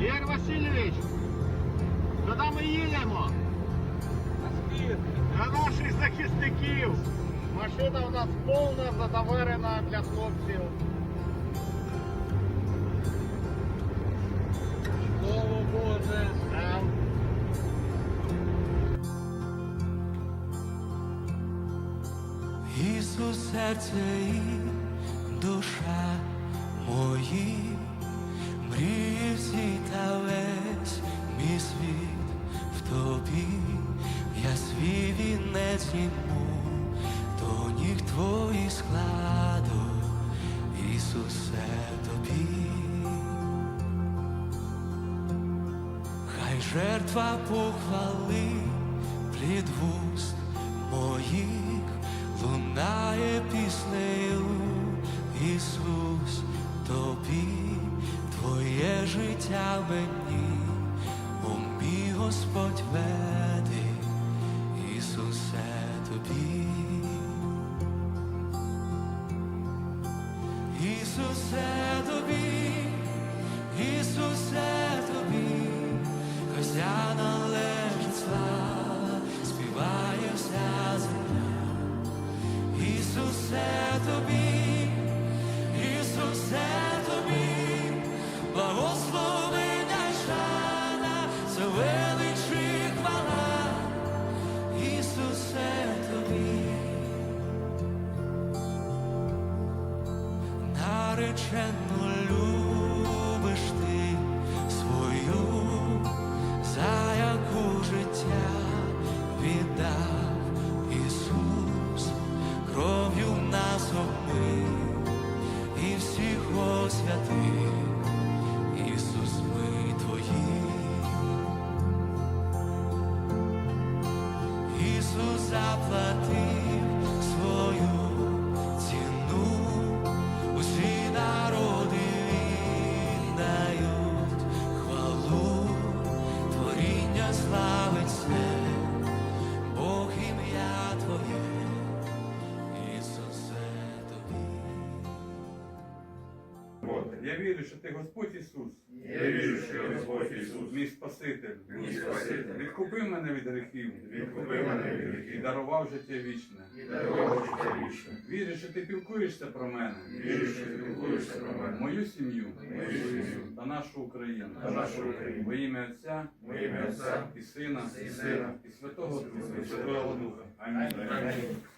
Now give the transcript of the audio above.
Ігор Васильович, куди ми їдемо? На наших захисників. Машина у нас повна, задоверена для хлопців. Слово Боже. Ісус, серце і душа мої, мрії всі та весь мій світ в тобі, я свій вінець зніму, до ніг твоїх складу, Ісусе, тобі. Хай жертва похвали плід вуст моїх лунає піснею, Ісус, тобі, твоє життя мені, о мій Господь веди, Ісусе, тобі. Ісусе, тобі, Ісусе, тобі, Христя належить слава, співає вся земля. Ісусе, тобі, Ісусе, тобі, благословення й шана, це велич і хвала, Ісусе, тобі. Наречено любиш ти свою, за яку життя віддав Ісус, кров'ю нас обмив і всіх освятив, Ісус, ми твої. Ісус заплатив свою ціну, усі народи віддають хвалу, творіння славить все, Бог, ім'я Твоє, Ісусе, тобі. Я вірю, що ти Господь Ісус. Я вірю, що ти Господь Ісус. Мій Спаситель. Мій Спаситель. Відкупи мене від гріхів. Відкупи мене від І гріхів. дарував життя вічне. І дарував життя вічне. Вірю, що ти піклуєшся про мене. Вірю, що ти піклуєшся про мене. Мою сім'ю. Мою сім'ю. Та нашу Україну. Та нашу Україну. Во ім'я Отця. Во ім'я Отця. І Сина. І Сина. І Святого Духа. І Святого Духа. Амінь. Амінь.